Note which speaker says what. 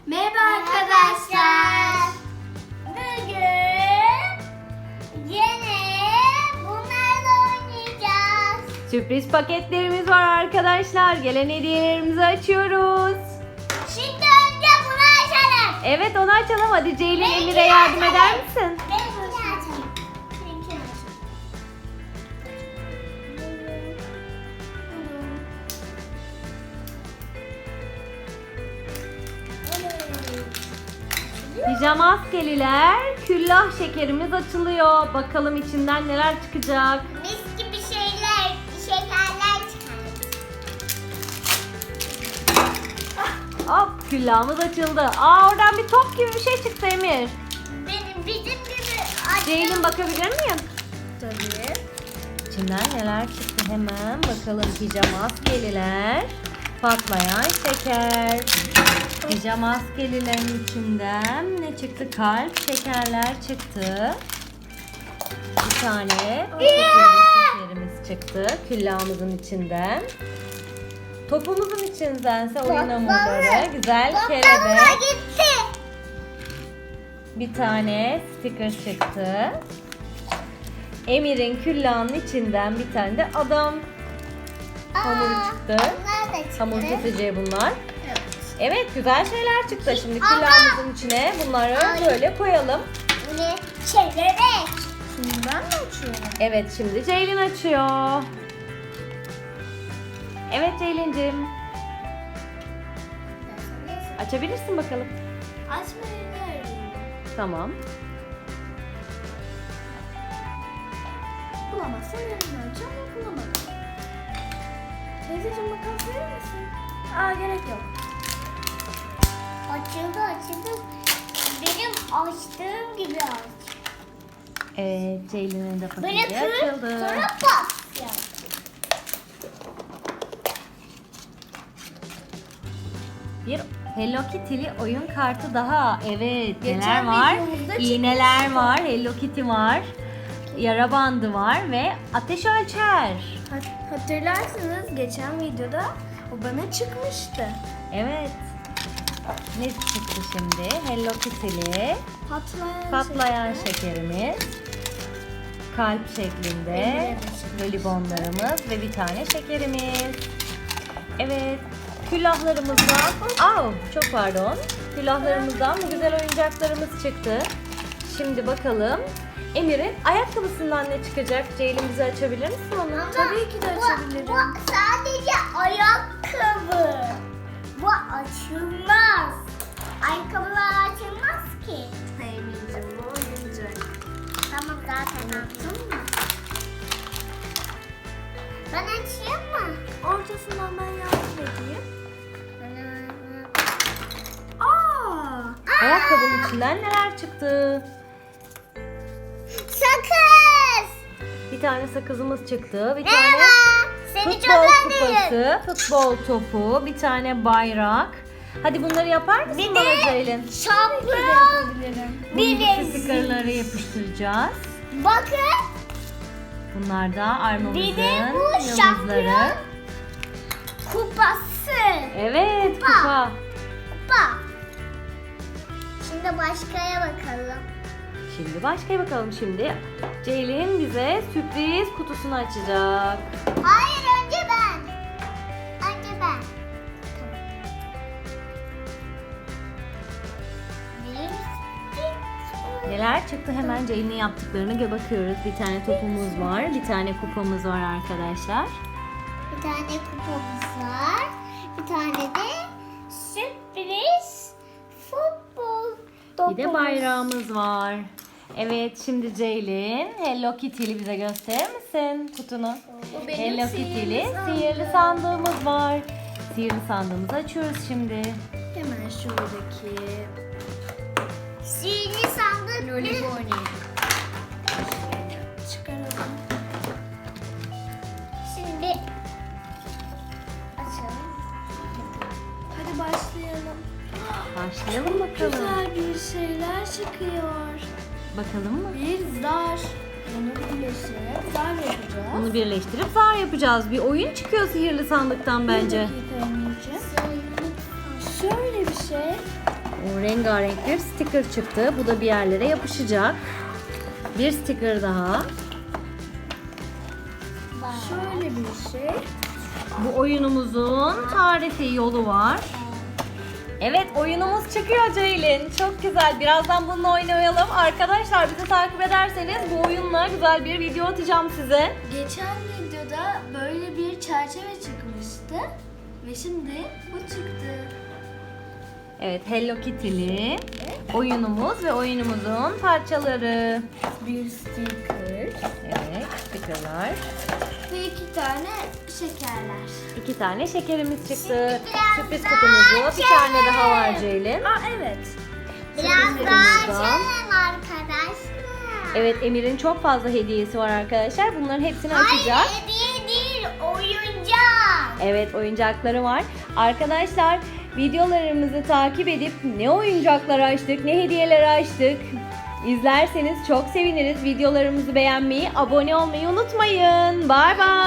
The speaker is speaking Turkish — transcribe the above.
Speaker 1: Merhaba arkadaşlar. Bugün yine bunlarla oynayacağız.
Speaker 2: Sürpriz paketlerimiz var arkadaşlar. Gelen hediyelerimizi açıyoruz.
Speaker 1: Şimdi önce bunu açalım.
Speaker 2: Evet, onu açalım. Hadi Ceylin,
Speaker 1: Benimkini
Speaker 2: Emir'e yardım
Speaker 1: açalım.
Speaker 2: eder misin?
Speaker 1: Benimkini açalım. Benimkini açalım.
Speaker 2: Pijama askeriler, küllah şekerimiz açılıyor. Bakalım içinden neler çıkacak.
Speaker 1: Mis gibi şekerler çıkardık.
Speaker 2: Hop, küllahımız açıldı. Oradan bir bizim bir şey çıktı Emir.
Speaker 1: Bizim gibi
Speaker 2: Ceylin, bakabilir miyim?
Speaker 1: Tabii.
Speaker 2: İçinden neler çıktı hemen bakalım. Pijama askeriler, patlayan şeker. Pijama askerilerin içinden ne çıktı? Kalp şekerler çıktı. Bir tane şekerimiz çıktı küllahımızın içinden. Topumuzun içindense oyun hamurları, güzel kelebek.
Speaker 1: Gitti.
Speaker 2: Bir tane sticker çıktı. Emir'in küllahının içinden bir tane de adam hamuru çıktı.
Speaker 1: Bunlar da çıktı.
Speaker 2: Hamur keseceği bunlar.
Speaker 1: Evet.
Speaker 2: Evet, güzel şeyler çıktı. Şimdi
Speaker 1: Ama-
Speaker 2: küllahımızın içine bunları böyle koyalım.
Speaker 1: Ne? Kelebek. Şimdi ben mi açıyorum?
Speaker 2: Evet, şimdi Ceylin açıyor. Evet Ceylin'cim, açabilirsin bakalım.
Speaker 1: Açmayı öğrendim.
Speaker 2: Tamam.
Speaker 1: Bulamazsam yarın açacağım ama bulamadım. Teyzeciğim makas verir misin? Gerek yok. Açıldı. Benim açtığım gibi aç.
Speaker 2: Evet, Ceylin'in de
Speaker 1: Böyle
Speaker 2: paketi
Speaker 1: kır,
Speaker 2: açıldı.
Speaker 1: sonra pat yap.
Speaker 2: Bir Hello Kitty'li oyun kartı daha. Evet,
Speaker 1: Geçen
Speaker 2: neler var?
Speaker 1: videomuzda
Speaker 2: İğneler
Speaker 1: çıkmıştı.
Speaker 2: var, Hello Kitty var. Yara bandı var ve ateş ölçer.
Speaker 1: Hatırlarsınız geçen videoda o bana çıkmıştı.
Speaker 2: Evet. Ne çıktı şimdi? Hello Kitty'li
Speaker 1: Patlayan
Speaker 2: şekerimiz. Kalp şeklinde
Speaker 1: Emir'e de çıkmış.
Speaker 2: jelibonlarımız ve bir tane şekerimiz. Evet. Küllahlarımızdan, çok pardon. Küllahlarımızdan bu güzel oyuncaklarımız çıktı. Şimdi bakalım Emir'in ayakkabısından ne çıkacak? Ceylin, bize açabilir misin onu?
Speaker 1: Tabii ki de açabilirim. Bu sadece ayakkabı. Bu açılmaz. Ayakkabılar açılmaz ki. Hayır bilmiyorum, bu oyuncak. Tamam, zaten attım mı? Ben açayım mı? Ortasından ben yardım edeyim.
Speaker 2: Ayakkabının içinden neler çıktı?
Speaker 1: Sakız.
Speaker 2: Bir tane sakızımız çıktı. Bir
Speaker 1: Merhaba.
Speaker 2: tane
Speaker 1: Seni
Speaker 2: futbol
Speaker 1: çok özledim.
Speaker 2: kupası, futbol topu, bir tane bayrak. Hadi bunları yapar mısın
Speaker 1: Bir
Speaker 2: bana
Speaker 1: de
Speaker 2: Ceylin?
Speaker 1: şampiyon.
Speaker 2: Bu stickerları yapıştıracağız.
Speaker 1: Bakın.
Speaker 2: Bunlar da armamızın
Speaker 1: Bir de bu
Speaker 2: yıldızları.
Speaker 1: şampiyon kupası.
Speaker 2: Evet,
Speaker 1: Kupa.
Speaker 2: kupa.
Speaker 1: Kupa. Şimdi başkaya bakalım.
Speaker 2: Şimdi başka bakalım şimdi. Ceylin bize sürpriz kutusunu açacak.
Speaker 1: Hayır, önce ben. Önce ben.
Speaker 2: Neler çıktı, hemen Ceylin'in yaptıklarını bakıyoruz. Bir tane topumuz var, bir tane kupamız var arkadaşlar.
Speaker 1: Bir tane kupamız var. Bir tane de sürpriz futbol topumuz.
Speaker 2: Bir de bayrağımız var. Evet, şimdi Ceylin Hello Kitty'li bize gösterir misin kutunu?
Speaker 1: Bu benim
Speaker 2: Hello
Speaker 1: sihirli
Speaker 2: Kitty'li
Speaker 1: sandığım.
Speaker 2: sihirli sandığımız var. Sihirli sandığımızı açıyoruz şimdi.
Speaker 1: Hemen şuradaki sihirli sandık lollipop çıkaralım. Şimdi açalım. Hadi başlayalım.
Speaker 2: Başlayalım bakalım.
Speaker 1: Güzel bir şeyler çıkıyor.
Speaker 2: Bakalım mı?
Speaker 1: Bir zar. Bunu birleştirip zar yapacağız.
Speaker 2: Bunu birleştirip zar yapacağız. Bir oyun çıkıyor sihirli sandıktan bence.
Speaker 1: Bir dakika Emirciğim. Şöyle bir şey.
Speaker 2: O rengarenk bir sticker çıktı. Bu da bir yerlere yapışacak. Bir sticker daha.
Speaker 1: Şöyle bir şey.
Speaker 2: Bu oyunumuzun tarifi yolu var. Evet, oyunumuz çıkıyor Ceylin. Çok güzel. Birazdan bununla oynayalım. Arkadaşlar bizi takip ederseniz bu oyunla güzel bir video atacağım size.
Speaker 1: Geçen videoda böyle bir çerçeve çıkmıştı. Ve şimdi bu çıktı.
Speaker 2: Evet, Hello Kitty'li oyunumuz ve oyunumuzun parçaları.
Speaker 1: Bir sticker.
Speaker 2: Evet, stickerlar.
Speaker 1: Ve 2 tane şekerler.
Speaker 2: 2 tane şekerimiz çıktı. Sürpriz kutumuzu bir tane daha var Ceylin.
Speaker 1: Aa evet.
Speaker 2: Biraz daha
Speaker 1: açalım arkadaşlar.
Speaker 2: Evet, Emir'in çok fazla hediyesi var arkadaşlar. Bunların hepsini açacak.
Speaker 1: Hayır, hediye değil, oyuncak.
Speaker 2: Evet, oyuncakları var. Arkadaşlar videolarımızı takip edip ne oyuncaklar açtık, ne hediyeler açtık izlerseniz çok seviniriz. Videolarımızı beğenmeyi, abone olmayı unutmayın. Bay bay.